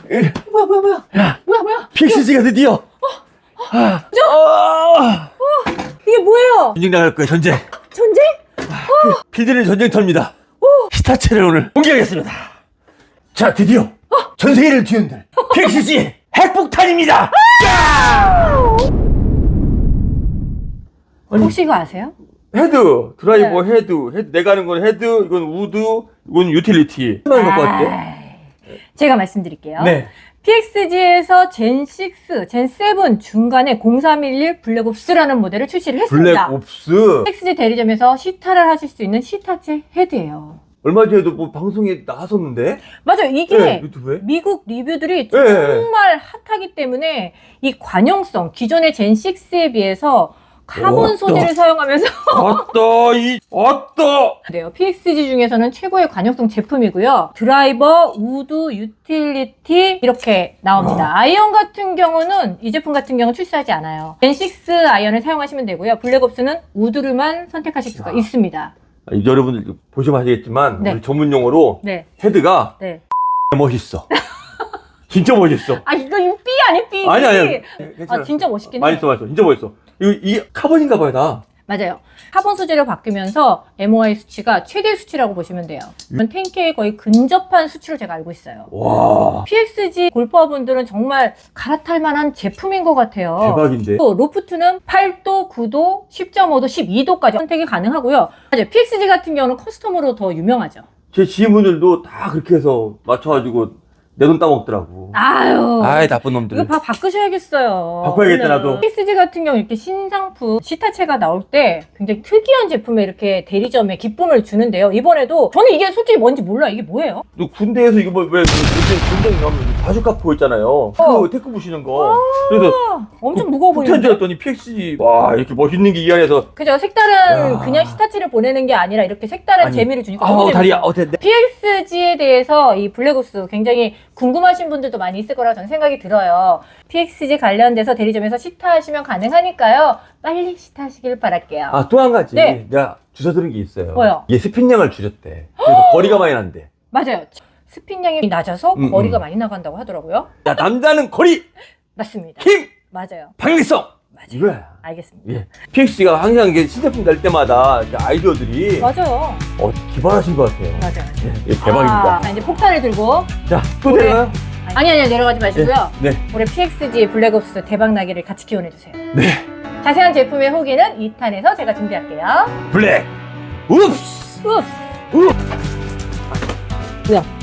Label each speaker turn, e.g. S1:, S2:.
S1: 뭐야? 뭐야?
S2: PXG가 드디어.
S1: 이게 뭐예요?
S2: 전쟁 나갈 거야, 전쟁.
S1: 전쟁?
S2: 필드는 전쟁터입니다. 스타체를 오늘 공개하겠습니다. 자, 드디어 전 세계를 뒤흔들 PXG 핵폭탄입니다. 아니,
S1: 혹시 이거 아세요?
S2: 헤드, 드라이버, 헤드. 내가 하는 건 헤드, 이건 우드, 이건 유틸리티. 하나만 갖고 왔대.
S1: 제가 말씀드릴게요.
S2: 네.
S1: PXG에서 젠6, 젠7 중간에 0311 블랙옵스라는 모델을 출시를 했습니다.
S2: 블랙옵스.
S1: PXG 대리점에서 시타를 하실 수 있는 시타체 헤드예요.
S2: 얼마 전에도 뭐 방송에 나왔었는데.
S1: 맞아요. 이게
S2: 네, 유튜브에.
S1: 미국 리뷰들이
S2: 네.
S1: 정말 핫하기 때문에 이 관용성, 기존의 젠6에 비해서 카본 소재를 사용하면서 그래요. PXG 중에서는 최고의 관용성 제품이고요. 드라이버, 우드, 유틸리티 이렇게 나옵니다. 아이언 같은 경우는 이 제품 같은 경우는 출시하지 않아요. 젠6 아이언을 사용하시면 되고요. 블랙옵스는 우드를만 선택하실 수가 있습니다.
S2: 여러분들 보시면 아시겠지만
S1: 네.
S2: 우리 전문 용어로
S1: 네.
S2: 헤드가
S1: 네.
S2: 멋있어. 진짜 멋있어.
S1: 아 이거 삐 아니 삐.
S2: 아니.
S1: 아 진짜 멋있긴
S2: 많이
S1: 해.
S2: 써. 진짜 멋있어. 이 카본인가 봐요, 다.
S1: 맞아요. 카본 소재로 바뀌면서 MOI 수치가 최대 수치라고 보시면 돼요. 10K에 거의 근접한 수치로 제가 알고 있어요.
S2: 와.
S1: PXG 골퍼분들은 정말 갈아탈 만한 제품인 것 같아요.
S2: 대박인데.
S1: 또 로프트는 8도, 9도, 10.5도, 12도까지 선택이 가능하고요. 맞아요. PXG 같은 경우는 커스텀으로 더 유명하죠.
S2: 제 지인분들도 다 그렇게 해서 맞춰가지고 내 돈 따먹더라고.
S1: 아유.
S2: 아이, 나쁜 놈들.
S1: 이거 바꾸셔야겠어요.
S2: 바꿔야겠다, 나도.
S1: PXG 같은 경우 이렇게 신상품 시타체가 나올 때 굉장히 특이한 제품에 이렇게 대리점에 기쁨을 주는데요. 이번에도 저는 이게 솔직히 뭔지 몰라요. 이게 뭐예요?
S2: 너 군대에서 이거 뭐, 왜, 요즘 군대 가면 바주카 포 있잖아요. 그 테크 부시는 거. 그래서
S1: 엄청 무거워
S2: 폭탄
S1: 보이는데?
S2: 줄였더니 PXG. 와, 이렇게 멋있는 게 이 안에서.
S1: 그죠? 색다른
S2: 야.
S1: 그냥 시타치를 보내는 게 아니라 이렇게 색다른
S2: 아니.
S1: 재미를 주니까 너무
S2: 다리야.
S1: 재밌어요.
S2: 됐네.
S1: PXG에 대해서 이 블랙옵스 굉장히 궁금하신 분들도 많이 있을 거라고 저는 생각이 들어요. PXG 관련돼서 대리점에서 시타하시면 가능하니까요. 빨리 시타하시길 바랄게요.
S2: 아, 또 한 가지.
S1: 네.
S2: 내가 주워 들은 게 있어요.
S1: 뭐요?
S2: 이게 스핀량을 줄였대. 그래서 거리가 많이 난대.
S1: 맞아요. 스핀량이 낮아서 거리가 많이 나간다고 하더라고요.
S2: 야, 남자는 거리,
S1: 맞습니다.
S2: 힘,
S1: 맞아요.
S2: 박리성.
S1: 맞아요.
S2: 이거야.
S1: 알겠습니다.
S2: 예. PXG가 항상 이게 신제품 낼 때마다 이렇게 아이디어들이
S1: 맞아요.
S2: 기발하신 것 같아요.
S1: 맞아요.
S2: 예, 대박입니다.
S1: 자, 이제 폭탄을 들고.
S2: 자, 또
S1: 올해-
S2: 내려가요?
S1: 아니, 내려가지 마시고요.
S2: 네.
S1: 올해 PXG 블랙옵스 대박나기를 같이 기원해주세요.
S2: 네.
S1: 자세한 제품의 후기는 2탄에서 제가 준비할게요.
S2: 블랙. 웁스.
S1: 우! 뭐야?